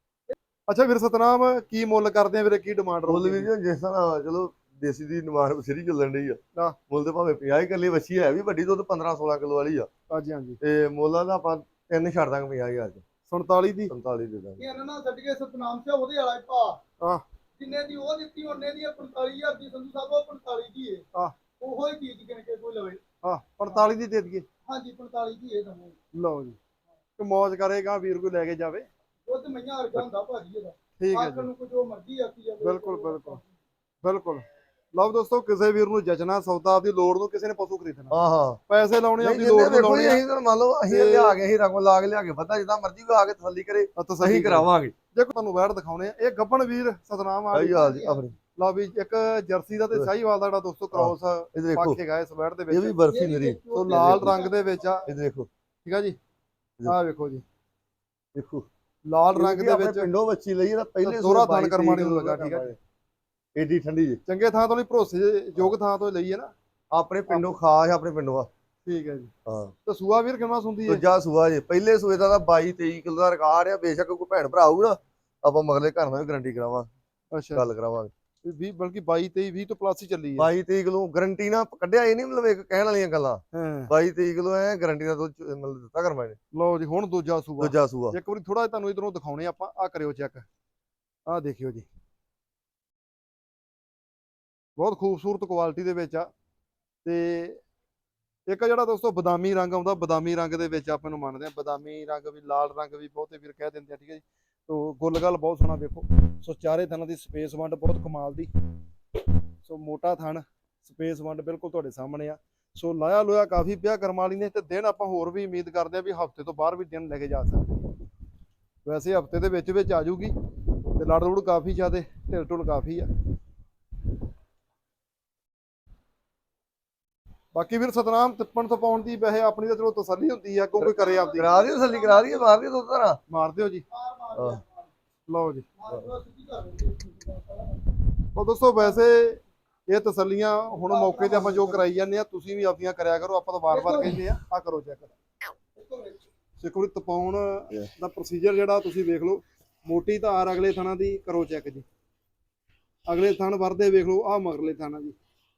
ਅੱਛਾ ਵੀਰ ਸਤਨਾਮ ਕੀ ਮੁੱਲ ਕਰਦੇ ਆ ਵੀਰੇ, ਕੀ ਡਿਮਾਂਡ
ਮੁੱਲ
ਰਹੂਗੀ?
ਵੀ ਜੀ ਜਿਸ ਤਰ੍ਹਾਂ ਚਲੋ ਦੇਸੀ ਦੀ ਨਿਮਾਣ ਬਸਰੀ ਚੱਲਣ ਡਈ ਆ,
ਹਾਂ।
ਮੁੱਲ ਤੇ ਭਾਵੇਂ ਪੰਜਾਹ ਹੀ ਕਰ ਲਈ, ਵੱਛੀ ਹੈ ਵੀ ਵੱਡੀ, ਦੁੱਧ ਪੰਦਰਾਂ ਸੋਲਾਂ ਕਿਲੋ ਵਾਲੀ ਆ,
ਹਾਂਜੀ ਹਾਂਜੀ।
ਤੇ ਮੁੱਲਾਂ ਦਾ ਆਪਾਂ ਤਿੰਨ ਛੱਡ ਦਾਂਗੇ ਪੰਜਾਹ ਹਜ਼ਾਰ ਚ,
ਸੰਤਾਲੀ ਦੀ
ਸੰਤਾਲੀ ਦੇ ਦਾਂਗੇ।
ਇਹਨਾਂ ਨਾਲ ਛੱਡ ਕੇ ਸਤਨਾਮ ਸਿੰਘ ਉਹਦੇ ਵਾਲਾ ਹੀ ਭਾ
ਹਾਂ।
ਜਿੰਨੇ ਦੀ ਉਹ ਦਿੱਤੀ ਉਹਨੇ ਦੀ ਪੰਤਾਲੀ ਹਜ਼ਾਰ ਦੀ ਸੰਧੂ ਸਾਹਿਬ, ਉਹ ਪੰਤਾਲੀ ਦੀ ਹੈ।
ਹਾਂ।
ਉਹੋ ਹੀ ਚੀਜ਼ ਕਿਨ ਕੇ ਕੋਈ ਲਵੇ।
ਹਾਂ ਪੰਤਾਲੀ ਦੀ ਦੇ ਦਈਏ।
ਹਾਂਜੀ ਪੰਤਾਲੀ ਦੀ ਇਹ ਦਮੋ।
ਲਓ ਜੀ, ਤੇ ਮੌਜ ਕਰੇਗਾ ਵੀਰ ਕੋਈ ਲੈ ਕੇ ਜਾਵੇ।
ਦੁੱਧ ਮਈਆਂ ਵਰਗਾ ਹੁੰਦਾ ਭਾਜੀ ਇਹਦਾ।
ਠੀਕ ਹੈ
ਆਖਣ
ਜੀ,
ਨੂੰ ਕੁਝ ਉਹ ਮਰਜ਼ੀ ਆਖੀ ਜਾਵੇ।
ਬਿਲਕੁਲ ਬਿਲਕੁਲ ਬਿਲਕੁਲ। ਲਓ ਦੋਸਤੋ, ਕਿਸੇ ਵੀਰ ਨੂੰ ਜਚਣਾ ਸੌਦਾ, ਆਪਦੀ ਲੋੜ ਨੂੰ ਕਿਸੇ ਨੇ ਪਸ਼ੂ ਖਰੀਦਣਾ,
ਹਾਂ ਹਾਂ,
ਪੈਸੇ ਲਾਉਣੇ
ਨਹੀਂ
ਆਪਦੀ
ਜਿੰਨੇ
ਲੋੜ ਨੂੰ
ਵੇਖੋ ਜੀ,
ਲਾਉਣੇ ਆ।
ਅਸੀਂ ਤਾਂ ਮੰਨ ਲਓ ਅਸੀਂ
ਤੇ-
ਲਿਆ ਕੇ ਅਸੀਂ ਰੰਗ ਲਾ ਕੇ ਲਿਆ ਕੇ ਪਤਾ ਜਿੱਦਾਂ ਮਰਜ਼ੀ ਕੋਈ ਆ ਕੇ ਤਸੱਲੀ ਕਰੇ
ਆ ਤਸੱਲੀ
ਅਸੀਂ ਕਰਾਵਾਂਗੇ।
ਜੇ ਕੋਈ ਤੁਹਾਨੂੰ ਵੈੜ ਦਿਖਾਉਣੇ ਆ, ਇਹ ਗੱਬਣ ਵੀਰ ਸਤਨਾਮ ਆ
ਸਹੀ ਹਾਲ ਜੀ ਆਪਣੀ।
ਲਓ ਵੀ ਇੱਕ ਜਰਸੀ ਦਾ ਤੇ ਸਾਹੀਵਾਲ ਦਾ ਜਿਹੜਾ ਦੋਸਤੋ ਕ੍ਰੋਸ
ਇਹ ਦੇਖੋ,
ਪੱਕ ਕੇ ਗਏ ਇਸ ਵੈੜ ਦੇ
ਇਹ
ਵਿੱਚ।
ਵੀ ਬਰਫੀ ਮੇਰੀ,
ਸੋ ਲਾਲ ਰੰਗ ਦੇ ਵਿੱਚ ਆ,
ਇਹ ਦੇਖੋ
ਠੀਕ ਆ ਜੀ। ਆਹ ਵੇਖੋ ਜੀ,
ਦੇਖੋ
ਲਾਲ ਰੰਗ ਦੇ
ਆਪਣੇ
ਵਿੱਚ
ਪਿੰਡੋਂ ਵੱਛੀ ਲਈ ਇਹਦਾ ਪਹਿਲੇ
ਦੋਹਰਾ
ਬਾਈ
ਥਣ ਕਰਮਾਣੀ ਨੂੰ
ਤਰੀਕ
ਲੱਗਾ, ਠੀਕ ਆ ਜੀ।
ਏਡੀ ਠੰਡੀ ਜੀ,
ਚੰਗੇ ਥਾਂ ਤੋਂ ਨਹੀਂ, ਭਰੋਸੇ ਯੋਗ ਥਾਂ ਤੋਂ ਲਈ ਹੈ ਨਾ।
ਆਪਣੇ ਪਿੰਡੋਂ ਖਾਸ ਆਪਣੇ ਪਿੰਡੋਂ ਆ।
ਠੀਕ ਹੈ ਜੀ।
ਹਾਂ,
ਤੇ ਸੂਆ ਵੀਰ ਕਿੰਨਾ ਸੁੰਦੀ ਹੈ?
ਦੂਜਾ ਸੂਆ ਜੇ, ਪਹਿਲੇ ਸੂਏ ਦਾ ਤਾਂ ਬਾਈ ਤੇਈ ਕਿਲੋ ਦਾ ਰਿਕਾਰਡ ਆ। ਬੇਸ਼ੱਕ ਕੋਈ ਭੈਣ ਭਰਾ ਆਊ ਨਾ, ਆਪਾਂ ਮਗਲੇ ਘਰ ਨਾਲ ਵੀ ਗਾਰੰਟੀ ਕਰਾਵਾਂ,
ਅੱਛਾ,
ਗੱਲ ਕਰਾਵਾਂਗੇ।
ਵੀਹ ਬਲਕਿ ਬਾਈ ਤੇਈ ਵੀਹ ਤੋਂ ਪਲੱਸ ਹੀ ਚੱਲੀ ਹੈ।
ਬਾਈ ਤੇਈ ਕਿਲੋ ਗਾਰੰਟੀ ਨਾਲ ਕੱਢਿਆ, ਇਹ ਨਹੀਂ ਮਤਲਬ ਇੱਕ ਕਹਿਣ ਵਾਲੀਆਂ ਗੱਲਾਂ।
ਹਾਂ।
ਬਾਈ ਤੇਈ ਕਿਲੋ ਐ ਗਾਰੰਟੀ ਨਾਲ ਦੁੱਧ ਮਤਲਬ ਦਿੱਤਾ ਕਰਮਾ ਨੇ।
ਲਓ ਜੀ, ਹੁਣ ਦੂਜਾ ਸੂਆ।
ਦੂਜਾ ਸੂਆ
ਇੱਕ ਵਾਰੀ ਥੋੜਾ ਤੁਹਾਨੂੰ ਇਧਰੋਂ ਦਿਖਾਉਣੇ ਆਪਾਂ, ਆ ਕਰਿਓ ਚੈੱਕ, ਆਹ ਦੇਖਿਓ ਜੀ, ਬਹੁਤ ਖੂਬਸੂਰਤ ਕੁਆਲਿਟੀ ਦੇ ਵਿੱਚ ਆ। ਤੇ ਇੱਕ ਜਿਹੜਾ ਦੋਸਤੋ ਬਦਾਮੀ ਰੰਗ ਆਉਂਦਾ, ਬਦਾਮੀ ਰੰਗ ਦੇ ਵਿੱਚ ਆਪਾਂ ਨੂੰ ਮੰਨਦੇ ਆ, ਬਦਾਮੀ ਰੰਗ ਵੀ, ਲਾਲ ਰੰਗ ਵੀ ਬਹੁਤੇ ਵੀਰ ਕਹਿ ਦਿੰਦੇ ਆ, ਠੀਕ ਹੈ ਜੀ। ਤੋ ਗੁੱਲ ਗੱਲ ਬਹੁਤ ਸੋਹਣਾ ਵੇਖੋ। ਸੋ ਚਾਰੇ ਥਣਾਂ ਦੀ ਸਪੇਸ ਵੰਡ ਬਹੁਤ ਕਮਾਲ ਦੀ, ਸੋ ਮੋਟਾ ਥਣ, ਸਪੇਸ ਵੰਡ ਬਿਲਕੁਲ ਤੁਹਾਡੇ ਸਾਹਮਣੇ ਆ। ਸੋ ਲਾਇਆ ਲੋਇਆ ਕਾਫੀ ਪਿਆ ਕਰਮ ਵਾਲੀ ਨੇ, ਤੇ ਦਿਨ ਆਪਾਂ ਹੋਰ ਵੀ ਉਮੀਦ ਕਰਦੇ ਆ ਵੀ ਹਫਤੇ ਤੋਂ ਬਾਹਰ ਵੀ ਦਿਨ ਲੈ ਕੇ ਜਾ ਸਕਦੇ ਆ। ਵੈਸੇ ਹਫਤੇ ਦੇ ਵਿੱਚ ਵਿੱਚ ਆ ਜੂਗੀ, ਤੇ ਲੜ ਲੁੜ ਕਾਫੀ ਜ਼ਿਆਦੇ, ਢਿਲ ਢੁਲ ਕਾਫੀ ਆ। ਬਾਕੀ ਵੀਰ ਸਤਨਾਮ ਤਿੱਪਣ ਤੋਂ ਪਾਉਣ ਦੀ ਵੈਸੇ ਆਪਣੀ ਤਾਂ ਚਲੋ ਤਸੱਲੀ ਹੁੰਦੀ ਆ, ਕਿਉਂਕਿ ਕਰੇ ਆਪਦੀ।
ਕਰਾ ਦੀ ਤਸੱਲੀ, ਕਰਾ ਦੀ, ਮਾਰ ਦੀ ਦੁੱਧ ਧਾਰਾਂ।
ਮਾਰ ਦਿਓ ਜੀ,
ਮਾਰ ਮਾਰ
ਹਾਂ।
ਲਓ ਜੀ।
ਮਾਰ ਮਾਰ ਸਿੱਧੀ ਕਰ ਦਿੰਦੇ।
ਉਹ ਦੋਸਤੋ ਵੈਸੇ ਇਹ ਤਸੱਲੀਆਂ ਹੁਣ ਮੌਕੇ ਤੇ ਆਪਾਂ ਜੋ ਕਰਾਈ ਜਾਂਦੇ ਆ, ਤੁਸੀਂ ਵੀ ਆਪਣੀਆਂ ਕਰਿਆ ਕਰੋ। ਆਪਾਂ ਤਾਂ ਵਾਰ-ਵਾਰ ਕਹਿੰਦੇ ਆ, ਆ ਕਰੋ ਚੈੱਕ। ਇੱਕ ਵਾਰੀ ਤਪਾਉਣ ਦਾ ਪ੍ਰੋਸੀਜਰ ਜਿਹੜਾ ਤੁਸੀਂ ਵੇਖ ਲਓ। ਮੋਟੀ ਧਾਰ ਅਗਲੇ ਥਾਣਾ ਦੀ ਕਰੋ ਚੈੱਕ ਜੀ, ਅਗਲੇ ਥਣ ਵਰਦੇ ਵੇਖ ਲਓ, ਆਹ ਮਗਰਲੇ ਥਾਣਾ ਜੀ।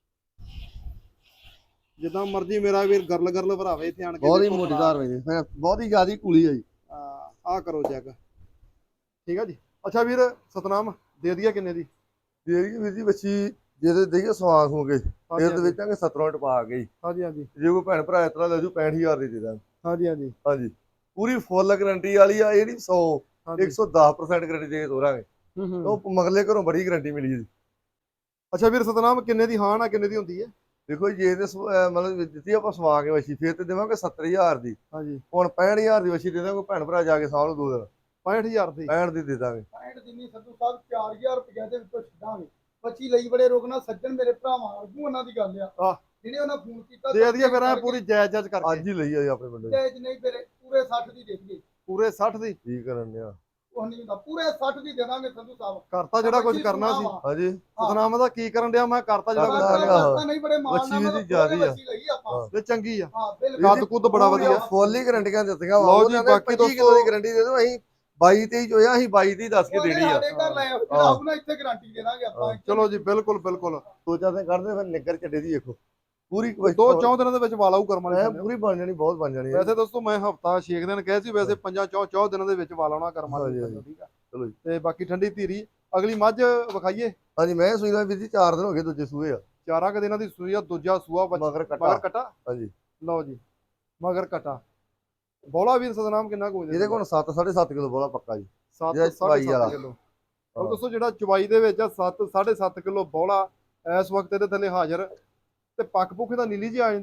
ਜਿੱਦਾਂ ਮਰਜ਼ੀ ਮੇਰਾ ਵੀਰ ਗਰਲ ਗਰਲ ਭਰਾਵੇ ਇੱਥੇ ਆਣ ਕੇ,
ਬਹੁਤ ਹੀ ਮੋਟੀ ਧਾਰ ਵੇ, ਬਹੁਤ ਹੀ ਜ਼ਿਆਦੀ ਕੂਲੀ ਆ ਜੀ।
ਆਹ ਕਰੋ ਚੈੱਕ, ਠੀਕ ਆ ਜੀ। ਅੱਛਾ ਵੀਰ ਸਤਨਾਮ, ਦੇ ਦਈਏ ਕਿੰਨੇ ਦੀ?
ਦੇ ਦੀ ਵੀਰ ਜੀ ਵੱਛੀ ਜਿਹਦੇ ਦੇਈਏ ਸਵਾਸ ਹੋ ਗਏ, ਇਹਦੇ ਵੇਚਾਂਗੇ ਸੱਤਰਾਂ ਟਪਾ ਕੇ।
ਹਾਂਜੀ ਹਾਂਜੀ।
ਜੇ ਕੋਈ ਭੈਣ ਭਰਾ ਇਸ ਤਰ੍ਹਾਂ ਲੈ ਜੂ ਪੈਂਹਠ ਹਜ਼ਾਰ ਦੀ ਦੇ ਦਾਂਗੇ।
ਹਾਂਜੀ ਹਾਂਜੀ
ਹਾਂਜੀ, ਪੂਰੀ ਫੁੱਲ ਗਾਰੰਟੀ ਵਾਲੀ ਆ, ਇਹ ਨਹੀਂ ਸੌ ਇੱਕ ਸੌ ਦਸ ਪ੍ਰਸੈਂਟ ਗਾਰੰਟੀ ਦੇ ਕੇ ਤੋਰਾਂਗੇ। ਉਹ ਮਗਲੇ ਘਰੋਂ ਬੜੀ ਗਾਰੰਟੀ ਮਿਲੀ ਜੀ।
ਅੱਛਾ ਵੀਰ ਸਤਨਾਮ, ਕਿੰਨੇ ਦੀ ਹਾਂ ਨਾ ਕਿੰਨੇ ਦੀ ਹੁੰਦੀ ਹੈ?
ਦੇਖੋ ਜੀ, ਜੇ ਤੇ ਮਤਲਬ ਦਿੱਤੀ ਆਪਾਂ ਸਵਾ ਕੇ ਵੱਛੀ, ਫਿਰ ਤੇ ਦੇਵਾਂਗੇ ਸੱਤਰ ਹਜ਼ਾਰ ਦੀ।
ਹਾਂਜੀ,
ਹੁਣ ਪੈਂਹਠ ਹਜ਼ਾਰ ਦੀ ਵੱਛੀ ਦੇ ਦਾਂਗੇ, ਕੋਈ ਭੈਣ ਭਰਾ ਜਾ ਕੇ ਸਾਂਭ ਲਓ ਦੋ ਦਿਨ।
ਪੈਂਹਠ ਹਜ਼ਾਰ ਦੀ
ਪੈਂਹਠ ਦੀ ਦੇ ਦਾਂਗੇ।
ਪੈਂਹਠ ਦਿਨੀ ਸੰਧੂ ਸਾਹਿਬ ਚਾਰ ਹਜ਼ਾਰ ਰੁਪਏ ਦੇ ਵਿੱਚੋਂ ਛੱਡਾਂਗੇ। ਬੱਚੀ ਲਈ ਬੜੇ ਰੋਕਣਾ, ਸੱਜਣ ਮੇਰੇ ਭਰਾਵਾਂ ਵਰਗੂ ਉਹਨਾਂ ਦੀ ਗੱਲ ਆ।
ਆਹ।
ਜਿਹਨੇ ਉਹਨਾਂ ਫੋਨ ਕੀਤਾ
ਦੇ ਦਈਏ ਫਿਰ ਐ ਪੂਰੀ ਜਾਇਜ਼ ਜਾਇਜ਼ ਕਰਕੇ।
ਅੱਜ ਹੀ ਲਈ ਆ ਜੀ ਆਪਣੇ ਪਿੰਡੋਂ।
ਜਾਇਜ਼ ਨਹੀਂ, ਫਿਰ ਪੂਰੇ ਸੱਠ ਦੀ ਦੇ ਦਈਏ।
ਪੂਰੇ ਸੱਠ ਦੀ
ਕੀ ਕਰਨ ਡਿਆ?
ਉਹ ਨਹੀਂ ਹੁੰਦਾ, ਪੂਰੇ ਸੱਠ ਦੀ ਦੇ ਦਾਂਗੇ ਸੰਧੂ ਸਾਹਿਬ।
ਕਰਤਾ ਜਿਹੜਾ ਕੁਝ ਕਰਨਾ ਸੀ।
ਹਾਂਜੀ,
ਸਤਨਾਮ ਦਾ ਕੀ ਕਰਨ ਡਿਆ? ਮੈਂ ਕਰਤਾ ਜਿਹੜਾ ਕੁਝ
ਕਰਤਾ
ਕਰਨਾ ਸੀ।
ਕਰਤਾ ਨਹੀਂ, ਬੜੇ ਮਾਣ ਨਾਲ
ਵੱਛੀ
ਮੈਂ
ਦੀ ਜ਼ਿਆਦੀ ਆ।
ਵੱਛੀ ਲਈ ਆਪਾਂ।
ਤੇ ਚੰਗੀ ਆ,
ਹਾਂ ਬਿਲਕੁਲ।
ਕੱਦ ਕੁੱਦ ਬੜਾ ਵਧੀਆ।
ਫੁੱਲ ਹੀ ਗਾਰੰਟੀਆਂ ਦਿੱਤੀਆਂ ਵਾ।
ਲਓ ਜੀ, ਬਾਕੀ
ਪੱਚੀ ਕਿਲੋ ਦੀ ਗਾਰੰਟੀ ਦੇ ਦਿਓ। ਅਸੀਂ ਬਾਈ ਤੇਈ ਚ ਹੋਇਆ, ਅਸੀਂ ਬਾਈ ਤੇਈ ਦੱਸ ਕੇ ਦੇਣੀ ਆ।
ਸਾਡੇ ਘਰ ਲੈ ਆਓ, ਜਿਹੜਾ ਆਊ ਨਾ ਇੱਥੇ ਗਾਰੰਟੀ ਦੇ ਦਾਂਗੇ ਆਪਾਂ।
ਚਲੋ ਜੀ, ਬਿਲਕੁਲ ਬਿਲਕੁਲ।
ਦੋ ਚਾਰ ਦਿਨ ਕੱਢਦੇ, ਫਿਰ ਨਿੱਗਰ ਚੱਡੇ ਦੀ ਦੇਖੋ ਪੂਰੀ
ਦੋ ਚੌਂ ਦਿਨਾਂ ਦੇ ਵਿੱਚ ਵਾਲਾਊ ਕਰਮ ਵਾਲੇ
ਐ ਪੂਰੀ ਬਣ ਜਾਣੀ, ਬਹੁਤ ਬਣ ਜਾਣੀ।
ਵੈਸੇ ਦੋਸਤੋ ਮੈਂ ਹਫਤਾ ਛੇ ਦਿਨ ਕਹੇ ਸੀ, ਵੈਸੇ ਪੰਜਾਂ ਚੌਂ ਚੌਂ ਦਿਨਾਂ ਦੇ ਵਿੱਚ ਵਾਲਾਉਣਾ ਕਰਮ ਵਾਲੇ, ਠੀਕ ਆ।
ਚਲੋ ਜੀ,
ਤੇ ਬਾਕੀ ਠੰਡੀ ਧੀਰੀ ਅਗਲੀ ਮੱਝ ਵਿਖਾਈਏ।
ਹਾਂਜੀ, ਮੈਂ ਸੂਈ ਦਾ ਵੀਰ ਜੀ ਚਾਰ ਦਿਨ ਹੋ ਗਏ, ਦੂਜੇ ਸੂਏ ਆ।
ਚਾਰਾਂ ਕੁ ਦਿਨਾਂ ਦੀ ਸੂਈ ਆ, ਦੂਜਾ ਸੂਆ ਬੱਚਾ
ਮਗਰ
ਮਗਰ
ਕਟਾ।
ਕਟਾ।
ਹਾਂਜੀ,
ਲਓ ਜੀ, ਮਗਰ ਕਟਾ। ਬੋਲਾ ਵੀਰ ਸਤਨਾਮ ਕਿੰਨਾ ਕੁ
ਇਹਦੇ ਕੋਲ ਸੱਤ ਸਾਢੇ ਸੱਤ ਕਿਲੋ ਬੋਲਾ ਪੱਕਾ ਜੀ।
ਸੱਤ
ਜਿਹੜਾ
ਸਾਢੇ
ਚਵਾਈ ਵਾਲਾ।
ਸੱਤ ਕਿਲੋ। ਉਹ ਦੋਸਤੋ ਜਿਹੜਾ ਚਵਾਈ ਦੇ ਵਿੱਚ ਆ ਸੱਤ ਸਾਢੇ ਸੱਤ ਕਿਲੋ ਬੋਲਾ ਇਸ ਵਕਤ ਇਹਦੇ ਥੱਲੇ ਹਾਜ਼ਰ। ਤੇ ਪੱਕ ਪੁੱਖ ਦਾ ਨੀਲੀ ਜੀ ਆ ਜਾਂਦਾ।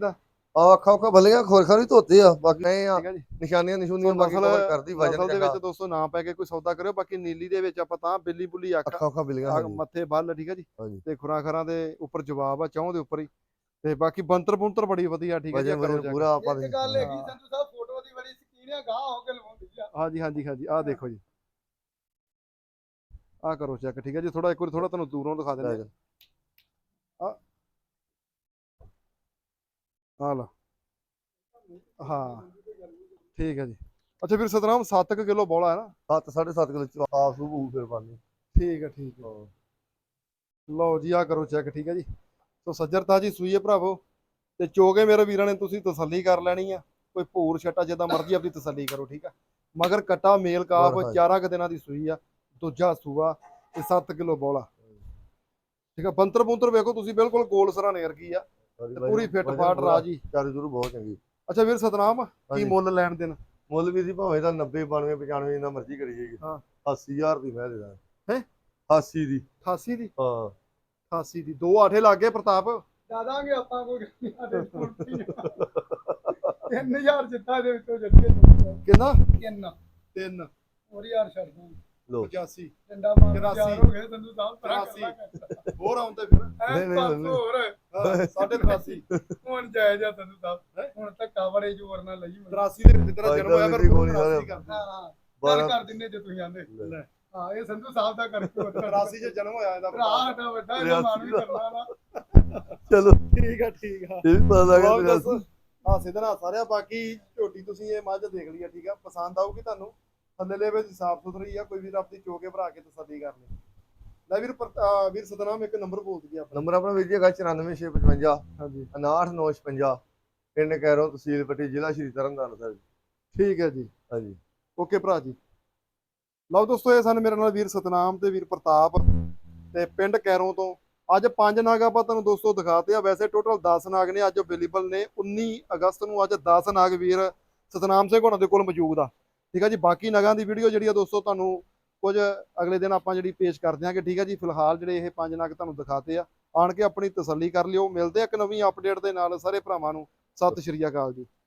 ਆ ਅੱਖਾਂ ਅੱਖਾਂ ਬੱਲੀਆਂ ਖੋਰ ਖੋਰ ਹੀ ਧੋਤੇ ਆ ਬਾਕੀ ਨਹੀਂ ਆ
ਠੀਕ ਹੈ ਜੀ।
ਨਿਸ਼ਾਨੀਆਂ ਨਿਸ਼ੂਨੀਆਂ ਬਾਕੀ
ਨਸਲ
ਕਵਰ ਕਰਦੀ ਵਜਨ
ਨਸਲ ਦੇ
ਚੰਗਾ
ਵਿੱਚ ਦੋਸਤੋ ਨਾ ਪੈ ਕੇ ਕੋਈ ਸੌਦਾ ਕਰਿਓ। ਬਾਕੀ ਨੀਲੀ ਦੇ ਵਿੱਚ ਆਪਾਂ ਤਾਂ ਬਿੱਲੀ ਬੁੱਲੀ ਅੱਖ
ਅੱਖਾਂ ਅੱਖਾਂ ਬਿਲੀਆਂ
ਆ,
ਹਾਂਜੀ
ਮੱਥੇ ਬੱਲ ਠੀਕ ਹੈ ਜੀ।
ਹਾਂਜੀ
ਤੇ ਖੁਰਾਂ ਖਰਾਂ ਦੇ ਉੱਪਰ ਜਵਾਬ ਆ, ਚੌਂ ਦੇ ਉੱਪਰ ਹੀ। ਤੇ ਬਾਕੀ ਬੰਤਰ ਬੁੰਤਰ ਬੜੀ ਵਧੀਆ ਠੀਕ ਹੈ ਜੀ।
ਵਜਨ
ਕਰੋ
ਵਜਨ
check।
ਪੂਰਾ ਆਪਾਂ
ਇੱਕ ਗੱਲ ਹੈਗੀ ਸੰਧੂ ਸਾਹਿਬ, ਫੋਟੋ ਦੀ ਬੜੀ ਸਕੀਨ ਆ, ਗਾਹ ਹੋ ਕੇ ਲਵਾਉਂਦੀ ਆ।
ਹਾਂਜੀ ਹਾਂਜੀ ਹਾਂਜੀ ਆਹ ਦੇਖੋ ਜੀ, ਆਹ ਕਰੋ ਚੈੱਕ ਠੀਕ ਹੈ ਜੀ। ਥੋੜਾ ਇੱਕ ਵਾਰੀ ਥੋੜਾ ਤੁਹਾਨੂੰ ਦੂਰੋਂ ਦਿਖਾ ਦਿੰਦੇ ਆ। ਆ ਲਾ ਹਾਂ ਠੀਕ ਹੈ ਜੀ। ਅੱਛਾ ਵੀਰ ਸਤਨਾਮ ਸੱਤ ਕੁ ਕਿਲੋ ਬੋਲਾ ਹੈ ਨਾ?
ਸੱਤ ਸਾਢੇ ਸੱਤ ਕਿਲੋ ਚ ਆਪ ਸੂ ਹੋਊ ਫਿਰ ਪਾਣੀ
ਠੀਕ ਹੈ ਠੀਕ ਹੈ। ਲਓ ਜੀ ਆਹ ਕਰੋ ਚੈੱਕ ਠੀਕ ਹੈ ਜੀ। ਸੋ ਸੱਜਰਤਾ ਜੀ ਸੂਈ ਹੈ ਭਰਾਵੋ। ਤੇ ਚੋਗੇ ਮੇਰੇ ਵੀਰਾਂ ਨੇ ਤੁਸੀਂ ਤਸੱਲੀ ਕਰ ਲੈਣੀ ਆ। ਕੋਈ ਭੂਰ ਛੱਟਾ ਜਿੱਦਾਂ ਮਰਜ਼ੀ ਆਪਣੀ ਤਸੱਲੀ ਕਰੋ ਠੀਕ ਆ। ਮਗਰ ਕੱਟਾ ਮੇਲ ਕਾਫ
ਹੋਰ ਹਾਂਜੀ।
ਚਾਰਾਂ ਕੁ ਦਿਨਾਂ ਦੀ ਸੂਈ ਆ, ਦੂਜਾ ਸੂਆ ਤੇ ਸੱਤ ਕਿਲੋ ਬੋਲਾ ਠੀਕ ਆ। ਬੰਤਰ ਬੁੰਤਰ ਵੇਖੋ ਤੁਸੀਂ, ਬਿਲਕੁਲ ਗੋਲ ਸਰਾਣੇ ਵਰਗੀ ਆ ਤੇ ਪੂਰੀ ਫਿੱਟ ਫਾਟ ਰਾਜੀ।
ਚਾਰੂ ਜਰੂ ਬਹੁਤ ਚੰਗੀ।
ਅੱਛਾ ਵੀਰ ਸਤਨਾਮ ਕੀ
ਹਾਂਜੀ।
ਮੁੱਲ ਲੈਣ ਦੇਣ?
ਮੁੱਲ ਵੀ ਦੀ ਭਾਵੇਂ ਦਾ ਨੱਬੇ ਬਾਨਵੇਂ ਪਚਾਨਵੇਂ ਜਿੰਨਾ ਮਰਜ਼ੀ ਕਰੀ ਜਾਈਏ।
ਹਾਂ
ਅੱਸੀ ਹਜ਼ਾਰ ਦੀ ਮੈਂ ਦੇ ਦਾਂ।
ਹੈਂ?
ਅੱਸੀ ਦੀ
ਅਠਾਸੀ ਦੀ?
ਹਾਂ
ਅਠਾਸੀ ਦੀ ਦੋ ਆਠੇ ਲੱਗ ਗਏ ਪ੍ਰਤਾਪ।
ਦਾਦਾਂਗੇ ਆਪਾਂ ਕੋਈ ਸਾਡੇ ਤਿੰਨ ਹਜ਼ਾਰ ਜਿੱਤਾ ਦੇ ਵਿੱਚੋਂ ਜੱਟੀਏ
ਕਿੰਨਾ?
ਤਿੰਨ
ਤਿੰਨ
ਹੋਰ ਯਾਰ ਛੱਡ ਦੂੰ
ਲੋ
ਪਚਾਸੀ
ਡੰਡਾ ਮਾਰ
ਚੁਰਾਸੀ।
ਚਾਰ ਹੋ ਗਏ ਸੰਧੂ ਸਾਹਿਬ ਤਰਾ
ਚੁਰਾਸੀ। ਹੋਰ ਆਉਂਦੇ ਫਿਰ
ਨਹੀਂ, ਨਹੀਂ,
ਐ
ਨਹੀਂ।
ਹੋਰ
ਹਾਂ, ਸਾਢੇ ਅਠਾਸੀ।
ਹੁਣ ਜਾਇਜ਼ ਆ ਸੰਧੂ ਸਾਹਿਬ, ਹੁਣ ਧੱਕਾ ਬੜੇ ਜ਼ੋਰ ਨਾਲ ਲਈ ਮੈਨੂੰ।
ਤਰਾਸੀ ਦੇ ਵਿੱਚ ਤੇਰਾ ਜਨਮ ਹੋਇਆ ਫਿਰ
ਕੋਈ
ਗੁਰੂ
ਨਹੀਂ
ਤਰਾਸੀ
ਸਾਰੇ।
ਕਰਦੇ।
ਹਾਂ ਹਾਂ ਗੱਲ
ਬਾਰਾਂ
ਕਰ ਦਿੰਨੇ ਜੇ ਤੁਸੀਂ ਆਂਦੇ।
ਲੈ
ਹਾਂ ਇਹ ਸੰਧੂ ਸਾਹਿਬ ਦਾ ਕਰਕੇ
ਤਰਾਸੀ ਚ ਜਨਮ ਹੋਇਆ ਇਹਦਾ
ਭਰਾ ਸਾਡਾ ਵੱਡਾ ਇਹਦਾ ਮਾਨ ਵੀ ਕਰਨਾ ਨਾ।
ਚਲੋ
ਠੀਕ ਆ ਠੀਕ ਆ।
ਇਹ ਵੀ ਪਤਾ ਲੱਗ
ਲਓ
ਗਿਆ
ਦੱਸ ਆ ਸਿੱਧਣਾ ਸਾਰਿਆ। ਬਾਕੀ ਝੋਟੀ ਤੁਸੀਂ ਇਹ ਮੱਝ ਦੇਖ ਲਈ ਆ ਠੀਕ ਆ, ਪਸੰਦ ਆਊਗੀ ਤੁਹਾਨੂੰ। ਥੱਲੇ ਵਿੱਚ ਸਾਫ ਸੁਥਰੀ ਆ, ਕੋਈ ਵੀਰ ਆਪਣੀ ਚੋਕੇ ਭਰਾ ਕੇ ਤਸੱਲੀ ਕਰ ਲਈ। ਲੈ ਵੀਰ ਪਰ- ਅਹ ਵੀਰ ਸਤਨਾਮ ਇੱਕ ਨੰਬਰ ਬੋਲ ਦਈਏ ਆਪਣਾ।
ਨੰਬਰ ਆਪਣਾ ਵੀਰ ਜੀ ਹੈਗਾ ਚੁਰਾਨਵੇਂ ਛੇ ਪਚਵੰਜਾ
ਹਾਂਜੀ
ਉਨਾਹਠ ਨੌ ਛਪੰਜਾ ਪਿੰਡ ਕੈਰੋਂ ਤਹਿਸੀਲ ਪੱਟੀ ਜ਼ਿਲ੍ਹਾ ਸ਼੍ਰੀ ਤਰਨਤਾਰਨ ਸਾਹਿਬ।
ਠੀਕ ਹੈ ਜੀ।
ਹਾਂਜੀ
ਓਕੇ ਭਰਾ ਜੀ। ਲਓ ਦੋਸਤੋ ਇਹ ਸਨ ਮੇਰੇ ਨਾਲ ਵੀਰ ਸਤਨਾਮ ਤੇ ਵੀਰ ਪ੍ਰਤਾਪ ਤੇ ਪਿੰਡ ਕੈਰੋਂ ਤੋਂ। ਅੱਜ ਪੰਜ ਨਾਗ ਆਪਾਂ ਤੁਹਾਨੂੰ ਦੋਸਤੋ ਦਿਖਾਤੇ ਆ। ਵੈਸੇ ਟੋਟਲ ਦਸ ਨਾਗ ਨੇ ਅੱਜ ਅਵੇਲੇਬਲ ਨੇ। ਉੱਨੀ ਅਗਸਤ ਨੂੰ ਅੱਜ ਦਸ ਨਾਗ ਵੀਰ ਸਤਨਾਮ ਸਿੰਘ ਹੋਣਾ ਦੇ ਕੋਲ ਮੌਜੂਦ ਆ ਠੀਕ ਆ ਜੀ। ਬਾਕੀ ਨਗਾਂ ਦੀ ਵੀਡੀਓ ਜਿਹੜੀ ਆ ਦੋਸਤੋ ਤੁਹਾਨੂੰ ਕੁਝ ਅਗਲੇ ਦਿਨ ਆਪਾਂ ਜਿਹੜੀ ਪੇਸ਼ ਕਰ ਦਿਆਂਗੇ ਠੀਕ ਆ ਜੀ। ਫਿਲਹਾਲ ਜਿਹੜੇ ਇਹ ਪੰਜ ਨਗ ਤੁਹਾਨੂੰ ਦਿਖਾਤੇ ਆ, ਆਣ ਕੇ ਆਪਣੀ ਤਸੱਲੀ ਕਰ ਲਿਓ। ਮਿਲਦੇ ਆ ਇੱਕ ਨਵੀਂ ਅਪਡੇਟ ਦੇ ਨਾਲ ਸਾਰੇ ਭਰਾਵਾਂ ਨੂੰ। ਸਤਿ ਸ਼੍ਰੀ ਅਕਾਲ ਜੀ।